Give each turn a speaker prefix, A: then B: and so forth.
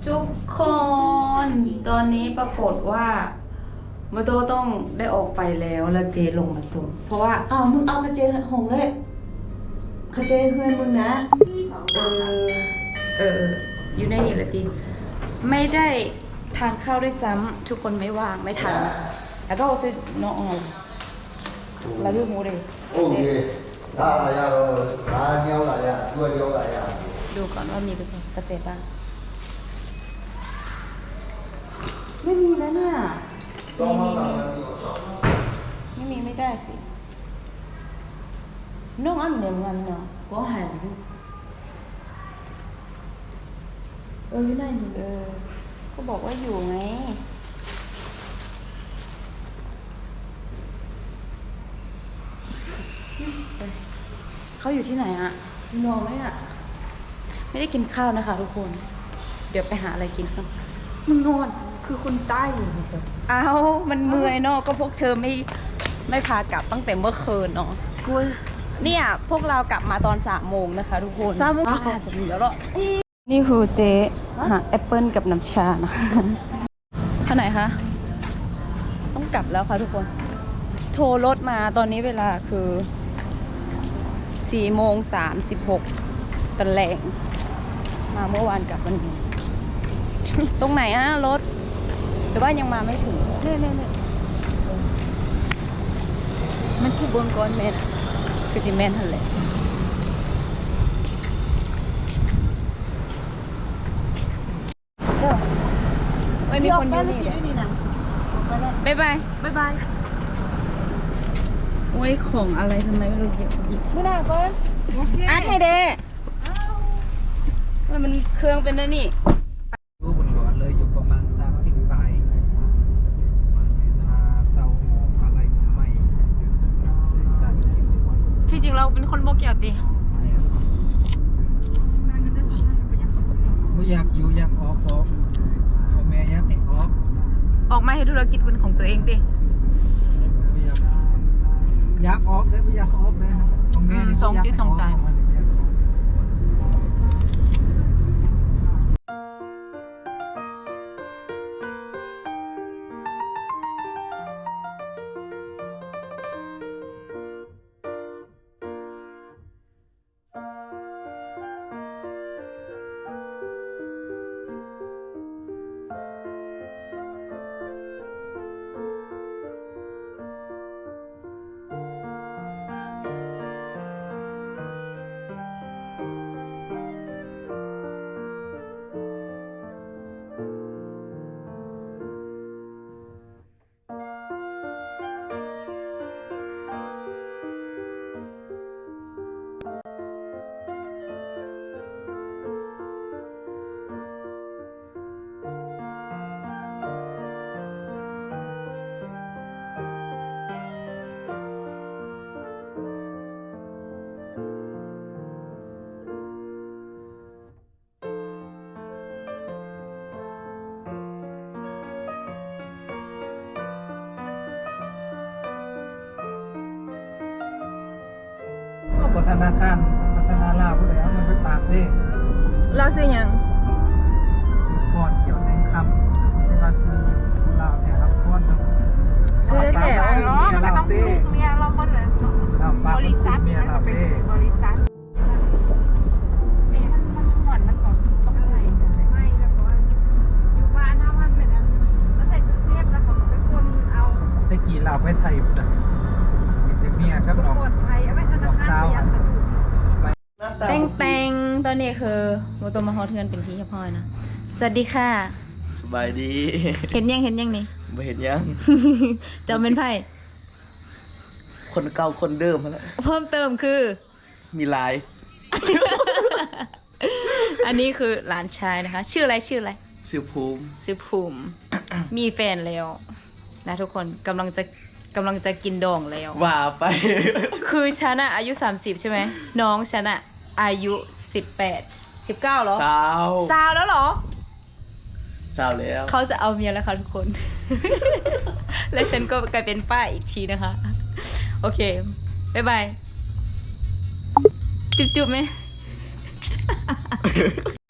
A: ทุกคนตอนนี้ปรากฏว่ามาโตต้องได้ออกไปแล้วแล้วเจลงมาส่งเพราะว่า
B: มึงเอาคาเจหงเลยคาเจเฮือนมึงนะ
A: อยู่ในนี่แหละทีไม่ได้ทานข้าวด้วยซ้ำทุกคนไม่ว่างไม่ทันนะคะแล้วก็ซื้อน้องแล้วดูหมูเลยดูก่อนว่ามีกระเจี๊ยบบ้างไม่มีแล้วเนี่ยไม่ได้สิน้องอันเหนียวงันเนาะ
B: ก็หันอยู่ไหนนี่
A: ก็บอกว่าอยู่ไงเขาอยู่ที่ไหนอะ
B: นอนไหมอะ
A: ไม่ได้กินข้าวนะคะทุกคนเดี๋ยวไปหาอะไรกินกัน
B: มึงนอนคือคนใต้อยู่แต่
A: มันเมื่อยเนาะก็พวกเธอไม่พากลับตั้งแต่เมื่อคืนเนาะ
B: กู
A: เนี่ยพวกเรากลับมาตอน3 โมงนะคะทุกคน
B: 3 โมง
A: จะมีแล้วหรอนี่คือเจ๊หาแอปเปิลกับน้ำชานะคะข้างไหนคะต้องกลับแล้วค่ะทุกคนโทรรถมาตอนนี้เวลาคือ4:36ตะแหลงมาเมื่อวานกลับวันนี้ตรงไหนรถหรือว่ายังมาไม่ถึงเนี่ยมันคือบนก้อนเมนคือจิเมนทันเลยไม่มีคนอยู่นี่นะบ๊ายบายโอ้ยของอะไรทำไมไม่รู้หยิบไม่ได้ก่อนอาร์ตให้เด้มันเครื่องเป็นนั่นนี่
C: อยู่บนก่อนเลยอยู่ประมาณ30 ปลายเศร้าหมองอะไรทำไม
A: ที่จริงเราเป็นคนโบเกียวตี
C: ไม่อยากอยู่อยากออกพ่อแม่อยากให้
A: ออกมาให้ธุรกิจเป็นของตัวเองดิ
C: อยากออกเลยไม่อยากออกเลย
A: ทรงจิตทรงใจ
C: ธนาคารพัฒนาลาวผู้ใดเอาเงินไปฝากเด้
A: เราซื้อยัง
C: ซื้อก้อนเกี่ยวเส้นคำที่ว่าซื้อลาวแถวก้อน
A: ซื้อได้แถว
C: เนาะมันก็ต้องเมียเราหมดเลยบริษัทเมียเราเด้บริษัท
D: ไม่แล้วก็อยู่บ้านถ้ามันเป็นอันแล้วใส่ตู้เซฟแล้วเขาก็ไปกดเอา
C: ตะกี้เราไปไทยนะเมียครับน้อง
D: กดไทยเอาไว้ธนาคารพยายามกระจุก
A: แตงตอนนี้คือโมโตมาฮอตเทือนเป็นที่เรียบร้อยนะสวัสดีค่ะ
E: สบายดี
A: เห็นยังนี่
E: ไม่เห็นยัง
A: จำเป็นไพ่
E: คนเก่าคนเดิมแล้ว
A: เพิ่มเติมคือ
E: มีลาย
A: อันนี้คือหลานชายนะคะชื่ออะไรชื่อ
E: ภู
A: มิ มีแฟนแล้วนะทุกคนกำลังจะกินดองแล้ว
E: ว่าไป
A: คือฉันอายุ30ใช่ไหมน้องฉันอายุ18 19เหรอสาวแล้วเหรอ
E: สาวแล้ว
A: เขาจะเอาเมียแล้วค่ะทุกคน และฉันก็กลายเป็นป้าอีกทีนะคะโอเคบ๊ายบายจุ๊บๆไหม